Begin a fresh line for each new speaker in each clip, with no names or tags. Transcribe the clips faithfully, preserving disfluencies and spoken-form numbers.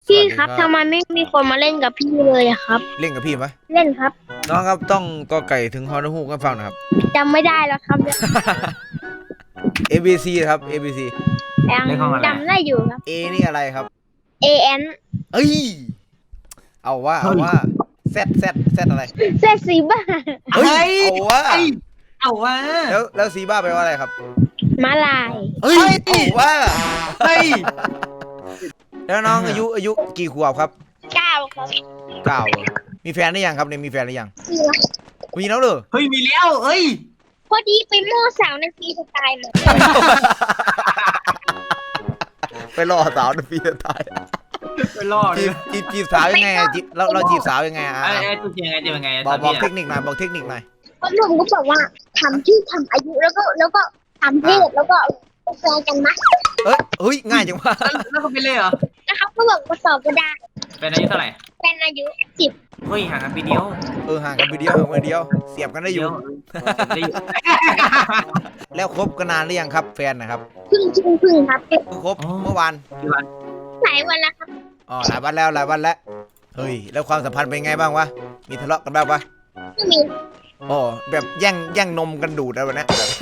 พี่ครับทำไมไม่มีคนมาเล่นกับพี่เลยอะครับ
เล่นกับพี่ไหม
เล่นครับ
น้องครับต้องกอไก่ถึงฮอนูฮูกันฟังนะครับ
จำไม่ได้แล้วครับ
A B C ครับ A B C
ยังจำได้อยู่ครับ
A นี่อะไรครับ
A N
เอ้ยเอาว่าเอาว่า Z Z Z อะไร
เซซีบ้า
เฮ้ยเอาว่า
เอาว่า
แล้วแล้วซีบ้าแปลว่าอะไรครับ
มาลาย
เฮ้ยเอาว่า
เฮ้ย
แล้วน้องอายุอายุกี่ขวบครับ
เก้าครับ
เก้ามีแฟนหรือยังครับเนี่ยมีแฟนหรือยังมีแล้วเหรอ
เฮ้ยมีแล้วเฮ้ย
พอดีไปโม่สาวในฟรีสไตล์มา
ไปรอสาวในปีสุดท้าย
ไปรอด
จีบจีบจีบสาวยังไงอะจีบเราเราจีบสาวยังไงอ่ะ
ไอ้ไอ้ตัวยังไงจะยังไง
บอกบอกเทคนิคหน่อยบอกเทคนิคหน่อย
คนหนุ่มก็บอกว่าทำชื่อทำอายุแล้วก็แล้วก็ทำเพศแล้วก็แฟนกันนะ
เอ้ยเฮ้ยง่ายจังวะ
แล้วเขาไปเลยเหรอ
นะครับก็บอกว่าสอบก็ได้
เป็นอายุเท่าไหร่
แฟนอายุสิบ
เฮ้ยห่างกันปีเดียว
เออห่างกันไปเดียวห่างกันเดียวเสียบกันได้อยู่
ได้อยู่
แล้วคบกันนานหรือยังครับแฟนนะครับ
พึ่งพึ่งพึ่งครับ
เพิ่งคบเมื่อวาน
หลายวันแล้วครับ
อ๋อหลายวันแล้วหลายวันแล้วเฮ้ยแล้วความสัมพันธ์เป็นไงบ้างวะมีทะเลาะกันบ้างปะ
ไม่มี
อ๋อแบบแย่งแย่งนมกันดูดอะไรแบบนี้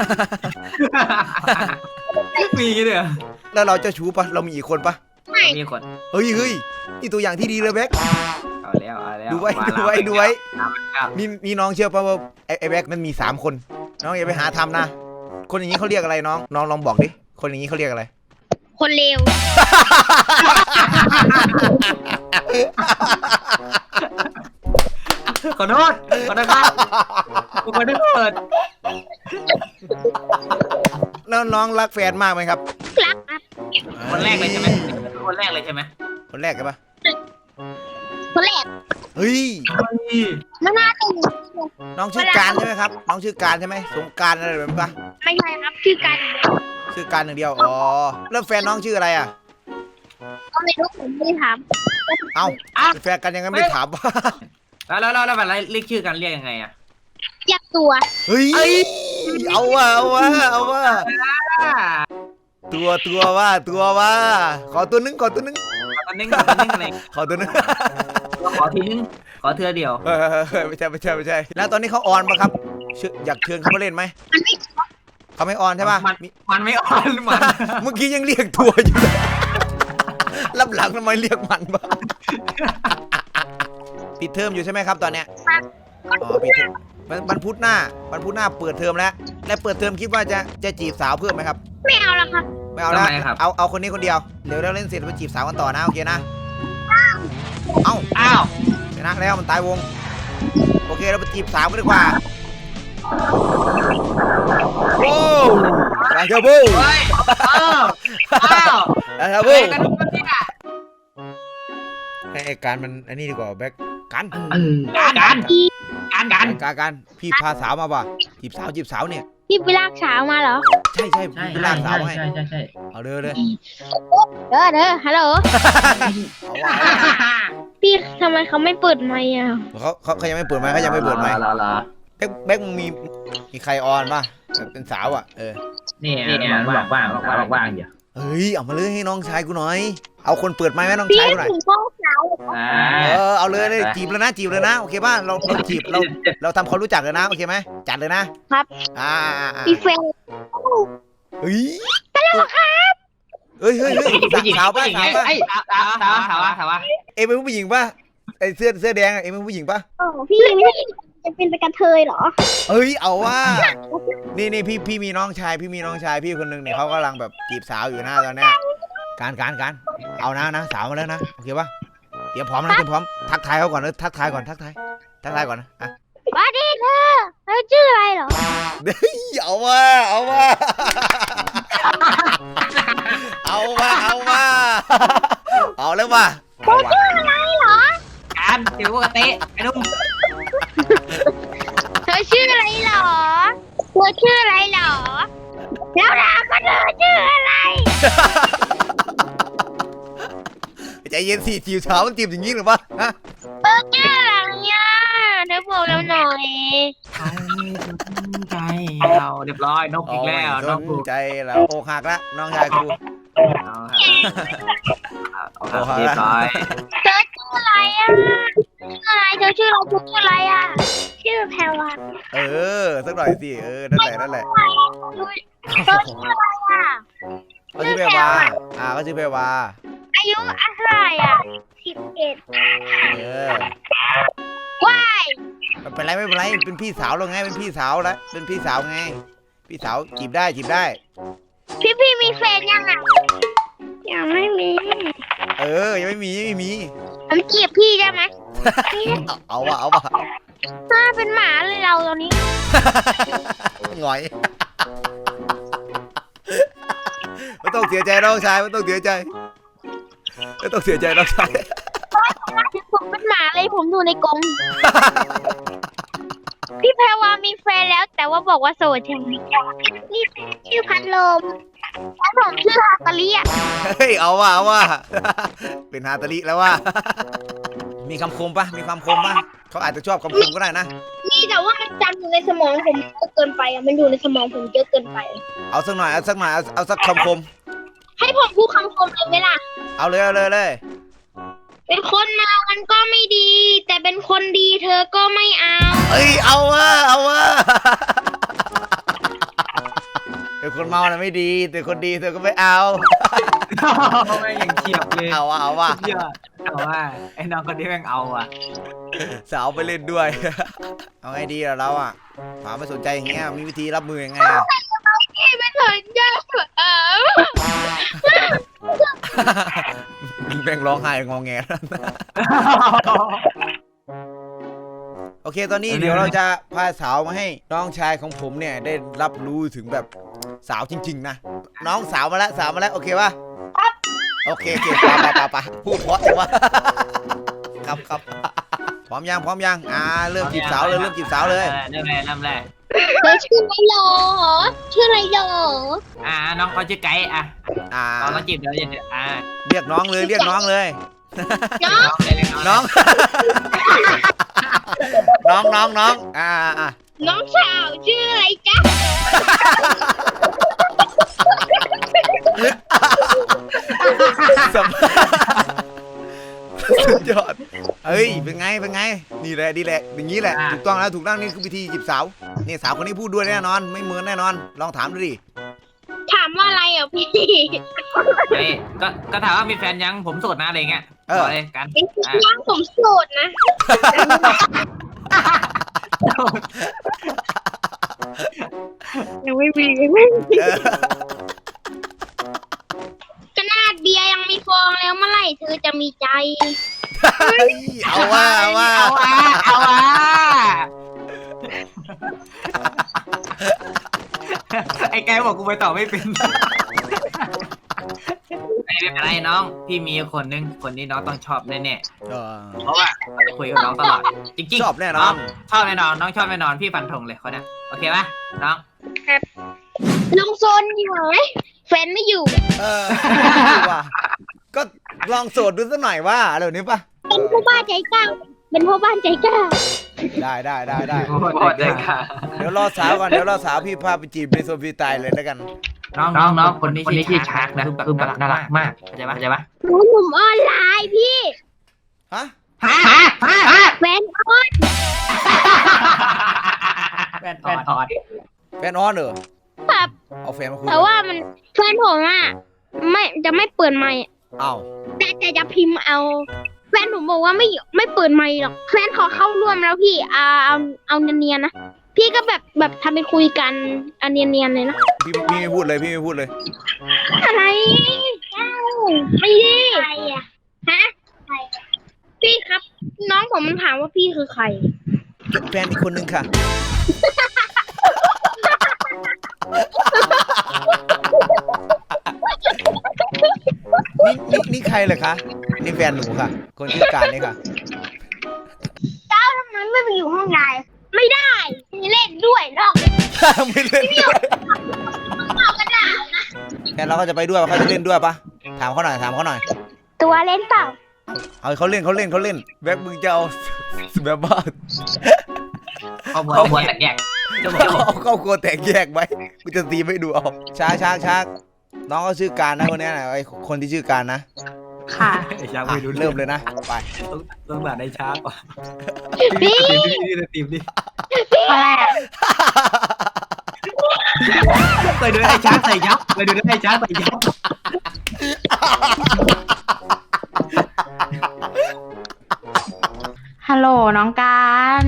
มีเลย
แล้วเราเจ้าชู้ปะเรามีอีกคนปะ
ไม่
มีคน
เฮ้ยเฮ้ยนี่ตัวอย่างที่ดีเลยแบ็ค
เอาแล้วเอาแล้ว
ดูไว้ดูไว้ดูไว้นี่นี่น้องเชื่อปะว่าไอ้ไอ้แบ็คมันมีสามคนน้องอย่าไปหาทำนะคนอย่างนี้เขาเรียกอะไรน้องน้องลองบอกดิคนอย่างนี้เขาเรียกอะไร
คนเลว
ขอโทษขอโทษครับกูไม่ได้เปิด
แล้วน้องรักแฟนมากไหมครับ
รักครับ
คนแรกเลยใช่ไหมคนแรกเลยใช่ไหม
คนแรกกันปะ
คนแรก
เฮ้ย
มันน่าตื่น
น้องชื่อการใช่ไหมครับน้องชื่อการใช่ไหมสงการอะไรแบบนี้ปะ
ไม่ใช่ครับชื่อกัน
ชื่อการอย่างเดียวอ๋อแล้วแฟนน้องชื่ออะไรอ่ะ
ก็ไม่รู้ผมไม่ได้ถาม
เอ้าเป็นแฟนกันยังไงไม่ถามวะ
แล้วแล้วแล้วแบบเรียกชื่อกันเรียกยังไงอ่ะ
อยากตัว
เฮ้ยเอาว่ะเอาว่ะเอาว่ะตัวตัวว่าตัวว่าขอตัวนึงขอตัวนึง
ตอนนี้ตอนนี้อะไร
ขอตัวนึง
ขอทีนึงขอเธอเดียว
เออไม่ใช่ไม่ใช่ไม่ใช่แล้วตอนนี้เขาออนปะครับเชิญอยากเชิญเขามาเล่นไหม
มันไม่
เขาไม่ออนใช่ปะ
มันมันไม่อ่อนมัน
เมื่อกี้ยังเรียกตัวอยู่เลยรับหลังทำไมเรียกมันบ้าปิดเทอมอยู่ใช่ไหมครับตอนเนี้ยอ๋อปิดเทอมวันวันพุธหน้าวันพุธหน้าเปิดเทอมแล้วและเปิดเทอมคิดว่าจะจะจีบสาวเพิ่มไหมครับ
ไม่เอาแล้วครับ
ไม่เอาแล้วเอาเอาคนนี้คนเดียวเดี๋ยวเราเล่นเสร็จไปจีบสาวกันต่อนะโอเคนะเอ้า
อ้าว
ชนะแล้วมันตายวงโอเคเราไปจีบสาวกันดีกว่าโอ้ลาเชบู
เฮ้ยอ้าวอ้าว
ลาเชบู
เฮ้ยกันทุกคนเนี่ย
ให้ไอ้การมันอันนี้ดีกว่าแบ็คกัน
การการการการ
การการพี่พาสาวมาป่ะจีบสาวจีบสาวเนี่ย
พี่ไปลากสาวมาเหรอ
ใช่ใช่พี่ไปลากสาวให้
ใช่ใช่ใช่
เอาเลยเลย
เด้อเด้อฮัลโหล
เอาว่า
พี่ทำไมเขาไม่เปิดไมค์อ่ะ
เขาเขาเขายังไม่เปิดไมค์เขายังไม่เปิดไมค์
ลาลา
แบ็คแบ็คมึงมีมีใครออนป่ะเป็นสาวอ่ะเออ
นี่นี่ว่างว่างว่างว่างอยู่
เฮ้ยเอามาเลยให้น้องชายกูหน่อยเอาคนเปิดไมค์ไหมน้อง
พี่
ชายกูหน่อย
ถึงห้องสาว
อ่า
เออเอาเลยเลยจีบเลยนะจีบเลยนะโอเคป่ะเราเราจีบเราเราทำความรู้จักเลยนะโอเคไหมจัดเลยนะครับ อ่าอ่าอ่า
พี่เฟน
เฮ้ยตลกครับเฮ้ยเฮ้ยเฮ้ยสาวป่ะสาวป่ะ
ไอ้สาวสาวสาวสาวสาว
เอ็มเป็นผู้หญิงป่ะไอเสื้อเสื้อแดงเอ็มเป็นผู้หญิงป่ะ
โอ้พี่ไม่จะเป็นกระเทยเหรอ
เฮ้ยเอาว่านี่นี่พี่พี่มีน้องชายพี่มีน้องชายพี่คนหนึ่งเนี่ยเขากำลังแบบจีบสาวอยู่นะตอนเนี้ยการการการเอานะนะสาวมาแล้วนะโอเคป่ะเตรียมพร้อมนะเตรียมพร้อมทักทายเขาก่อนเลยทักทายก่อนทักทายทักทายก่อนนะอ่ะ
ว่าดีเธอเธอชื่ออะไรเหรอ
เฮ้ยเอาว่าเอาว่าเอาว่าเอาว่าเอาแล้วว่า
เธอชื่ออะไรเหรอ
การเดี๋ยวกเตะไอ้นุ่ม
เธอชื่ออะไรเหรอเธอชื่ออะไรเหรอแล้วเราก็เธอชื่ออะไร
ใจเย็นสิจีบสาวมันจีบอย่างนี้หรือเปล่าฮะ
เธอชื่ออะไรเนี่ยเธอบอกเราหน่อย
ใจเราเรียบร้อยนกอีกแล้ว
ส
นก
นใจแล้วอกหักแล้วน้องชายกู
โอ
โอ้โห
เรียบร้อย
เธอชื่ออะไรอ่ะชื่ออะไรเธอชื่อเราชื่ออะไรอ่ะชื่อแพรวา
เออสักหน่อยสิเออนั่นแหละนั่นแหละ
เธอชื่ออะไรอ่ะ
เขาชื่อเพวาอ่าเขาชื่อเพวา
อายุอะไรอ่ะสิบเอ็ด
เออ
ว้าย
ไม่เป็นไรไม่เป็นไรเป็นพี่สาวเราไงเป็นพี่สาวแล้วเป็นพี่สาวไงพี่สาวจีบได้จีบได้
พี่พี่มีแฟนยังอ่ะยังไม่มี
เออยังไม่มียังไม่มี
ผมจีบพี่ได้ไหม
เอาเอาวะเอาวะ
ถ้าเป็นหมาเลยเราตอนนี้
หงอยไม่ต้องเสียใจน้องชายไม่ต้องเสียใจไม่ต้องเสียใจน้องชาย
ผมเป็นหมาเลยผมอยู่ในกรงพี่แพรวามีแฟนแล้ว แต่ว่าบอกว่าโสดใช่ไหมนี่ชื่อพัดลมแล้วผมชื่อฮาตาลีอ่ะ
เฮ้ยเอาวะเอาวะเป็นฮาตาลิแล้วว่ามีคำคมปะมีความคมปะเขาอาจจะชอบคำคมก็ได้นะ
นี่แต่ว่ามันจำอยู่ในสมองผมเยอะเกินไปอ่ะมันอยู่ในสมองผมเยอะเกินไป
เอาสักหน่อยเอาสักหน่อยเอาเอาสักคำคม
ให้ผมพูดคำคมเลยไหมล่ะ
เอาเลยเอาเลยเลย
เป็นคนเมามันก็ไม่ดี แต่เป็นคนดีเธอก็ไม่เอา
เอ้ยเอาวะเอาวะเป็นคนเมาน่ะไม่ดีแต่คนดีเธอก็ไม่เอา
ไม่ยังเฉียบเลย
เอาวะเอาวะ
เชื่อเอาว่าไอ้น้องคนนี้แม่งเอาอ่ะ
สาวไปเล่นด้วย เอาไงดีล่ะเราอ่ะถามไม่สนใจอย่างเงี้ยมีวิธีรับมือยังไงอ่ะ
พี่ไม่สนใจเออ
แบ่งร้องไห้งอแง โอเคตอนนี้เดี๋ยวเราจะพาสาวมาให้น้องชายของผมเนี่ยได้รับรู้ถึงแบบสาวจริงๆนะน้องสาวมาแล้วสาวมาแล้วโอเคป่ะโอเคโอเคปะปะปะปะพูดเพราะจังวะ ครับครับพร้อมยังพร้อมยังอ่าเริ่มจีบสาวเลยเริ่มจีบสาวเลย
เริ่มแรกเริ่มแรก
เธอชื่ออะไรหรอชื่ออะไรหรอ
อ่าน้องเขาชื่อไก่อ่ะ
อ่า
เราต้องจีบเดี๋ยวจะอ่า
เรียกน้องเลยเรียกน้องเลย
น้อง
น้องเลยน้อง
น้อง น้องน้องน้องอ่าอ่า
น้องสาวชื่ออะไรจ๊ะ
สัมสุดยอดเฮ้ยเป็นไงเป็นไงนี่แหละดีแหละอย่างนี้แหละถูกต้องแล้วถูกต้องนี่คือวิธีจีบสาวนี่สาวคนนี้พูดด้วยแน่นอนไม่เหมือนแน่นอนลองถามดูดิ
ถามว่าอะไรอ่ะพี่
เฮ้ยก็ก็ถามว่ามีแฟนยังผมโสดนะอะไรเงี้ยบอกเลยกัน
เป็นยังผมโสดนะ ยังไม่มี
เออ
ขนาดเบียร์ยังมีฟองแล้วเมื่อไหร่เธอจะมีใจ
เฮ้ยเอาว่าเอาว่า
เอาว่าเอาว่าไอ้แกบอกกูไปต่อไม่เป็นไม่เป็นไรน้องพี่มีคนนึงคนนี้น้องต้องชอบแน่
เออ
ๆเพราะว่าจะคุยกับน้องตลอดจริงๆ
ชอบแน่นอน
ชอบแน่นอนน้องชอบแน่นอนพี่ฟันธงเลยคนนี้โอเคปะน้อง
ลงโซนอยู่ไหมแฟนไม่อยู่
เออว่าก็ลองโสดดูสักหน่อยว่าอะไรแบบนี้ปะ
เป็นพ่อบ้านใจกล้าเป็นพ่อบ้านใจกล้า
ได้ได้ได้ได้
โคตรเลยค่ะ
เดี๋ยวรอสาวก่อนเดี๋ยวรอสาวพี่พาไปจีบในโซนฟรีสไตล์เลยแล้วกัน
น้องน้องน้องคนนี้ชื่อชาร์กนะคือแบบน่ารักมากเข้าใจปะเข้าใจปะ
หนูหนุ่มออนไลน์พี่
ฮะ
ฮะฮะฮะ
แฟนออน
แฟนแฟนออด
แฟนออนเหรอ
ครับ
เอาแฟนมาคุย
แต่ว่ามันแฟนผมอ่ะไม่จะไม่เปิดไมค์
เอ้า
แต่แต่จะพิมพ์เอา แฟนผมบอกว่าไม่ไม่เปิดไมค์หรอกแฟนขอเข้าร่วมแล้วพี่อ่าเอาเอาเนียนๆนะพี่ก็แบบแบบทำเป็นคุยกันอันเนียนๆเลยนะ
พี่พี่ไม่พูดเลยพี่ไม่พูดเลย
อะไรเอ้าไม่ดีใครอะฮะใครพี่ครับ น้องผมมันถามว่าพี่คือใคร
แฟนอีกคนนึงค่ะ นี่นี่นี่ใครเหรอคะนี่แฟนหนูค่ะ คนชื่อการนี่ค่ะ
เจ้าทำไมไม่ไปอยู่ห้องนายไม่ได้ไม่เล่นด้วยหรอก
ไม่เล่นด้วย
เอากระดาษนะ
แฟนเราก็จะไปด้วยปะเขาจะเล่นด้วยปะถามเขาหน่อยถามเขาหน่อย
ตัวเล่นเปล่า
เอาเขาเล่นเขาเล่นเขาเล่นแบ็คมึงจะเอาแบบว่า
ครอบครัวครอบครัวแตกแยกจะบอก
เอาครอบครัวแตกแยกไหมกูจะตีไม่ดูเอาช้าช้าช้าน้องก็ชื่อการนะคนนี้นะไอคนที่ชื่อการนะ
ค่ะ
ไอ้ช้าง
อ่ะ
ไม่รู้
เริ่มเลยนะไป
ต้องต้องด่าไอ้ช้างก่อน
พี่
ตีมดิตีมดิ
อะไรอะ
เคยดูไอ้ช้างใส่ยับเคยดูไอ้ช้างใส่ยับ
ฮัลโหลน้องการ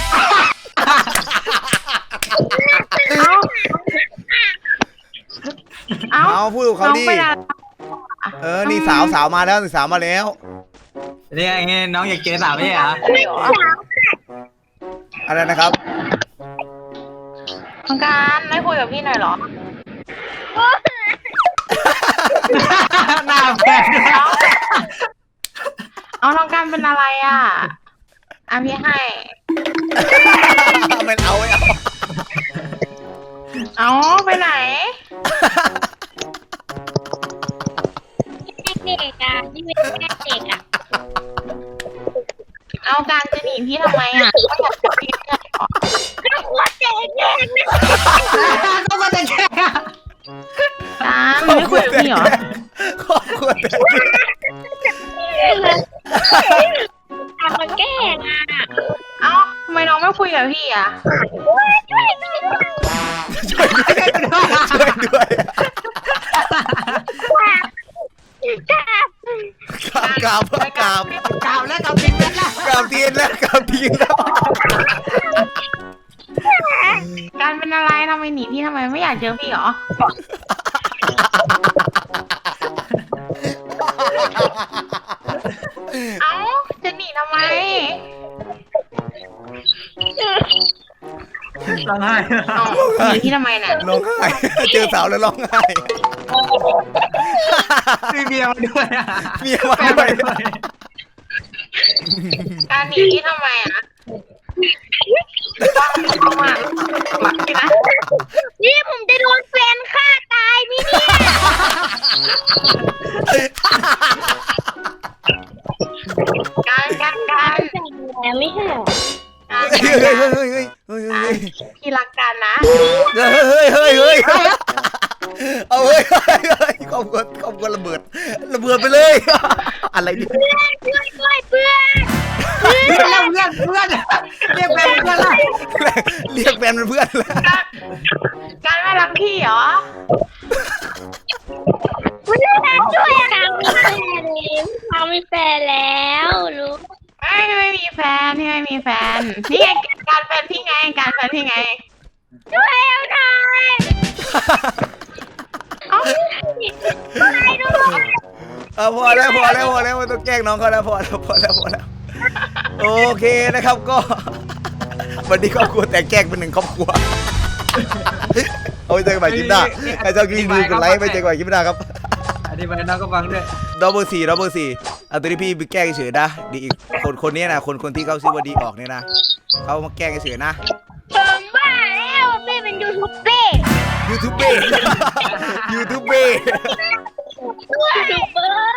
เอ้า เอ้า
เอาพูดกับเขา
น้อง
ดิ
เป็นอะไร
เออนี่สาวสาวมาแล้วนี่สาวมาแล้ว
เนี่ยไงน้องอยากเจอสาวไม่ใช่เหรอ
อะไรนะครับ
น้องการไม่คุยกับพี่หน่อยเหรอ
หน้าแฟน
เอาน้องการเป็นอะไรอ่ะอ่ะพี่ให้
ไม่เอาไม่เอา
เอาไปไหน
เด็กอ่ะที่เป็นแม่เด็กอ่ะ
เอาการจะหนีพี่ทำไมอ่ะก็อยากจะพี่ไม่ใช่เหรอ
ก็หัวเด็กเด็กนะ
ก็มาแต่แค่
การไม่คุยกับพี่เหรอ
ครอบครัวแต่
ทำมาแกล้งอ่ะ
เอ้าทำไมน้องไม่คุยกับพี่อ่ะ
ช่วยด้วย
ช่วยด้วยช่วยด้วย
จ้าก
ราบกราบกราบ
กล่าวแล้วกล่าวจริงแล้วนะ
กราบทีนแล้วกราบทีนแล้ว
การเป็นอะไรทำไมหนีพี่ทำไมไม่อยากเจอพี่เหรอ เอ้าจะหนีทำไม
ร้องไห้
เอ้าหนีพี่ทำไมเนี่ย
ร้องไห้เจอสาวแล้วร้องไห้
มีเมียมาด้วยอะ
เมียมาด้วย
การหนีพี่ทำไมอ่ะว่าไม่ต้องมาหลักพี่นะ
นี่ผมจะโดนแฟนฆ่าตายไหมเนี่ย
การการการ
แต่ไม่ใช่หรอ
การ
เฮ้ย
การ
เฮ้ยเฮ้ยเฮ้ยเฮ้ยเฮ้ย
พี่รักกันนะ
เฮ้ยเฮ้ยเฮ้ยเฮ้ยเอาเฮ้ยเฮ้ยเฮ้ยครอบครัวครอบครัวระเบิดระเบิดไปเลย อะไรเนี่ย
เพื่อนเพื่อนด้วยเพื่อน
เพื่อนเพื่อนเพื่อนเรียกแฟนเพื่อนละ
เรียกแฟนเป็นเพื่อนแล้ว
การการไม่รักพี่เหรอ
เพื่อนด้วยทางมีแฟนเลยทางมีแฟนแล้วรู้
ไม่ไม่มีแฟนพี่ไม่มีแฟนนี่ไงการแฟนพี่ไงการแฟนพี่ไง
ช่วยเอาหน่อย
เอ้า
ช่วยด้วย
เออพอแล้วพอแล้วพอแล้วไม่ต้องแกล้งน้องเขาแล้วพอแล้วพอแล้วพอแล้วโอเคนะครับก็ วันนี้ครอบครัวแต่แกล้งเป็นหนึ่งครอบครัวเอาไปเจอกันใหม่คลิปหน้าใครชอบคลิปนี้กดไลค์ไปเจอกันใหม่คลิปหน้าครับ
อธิบายน้องก็ฟังด้วย
ดับเบิลสี่ดับเบิลสี่เอาตัวนี้พี่ไปแกล้งเฉยนะดีอีกคนคนนี้นะคนคนที่เขาชื่อว่าดีออกเนี่ยนะเขามาแกล้งเฉยนะ
ผมว่าแล้วแม่เป็นยูทูบเบอร์
ยูทูบเบอร์ยูทูบเบอร์
ยูทูบเบอร์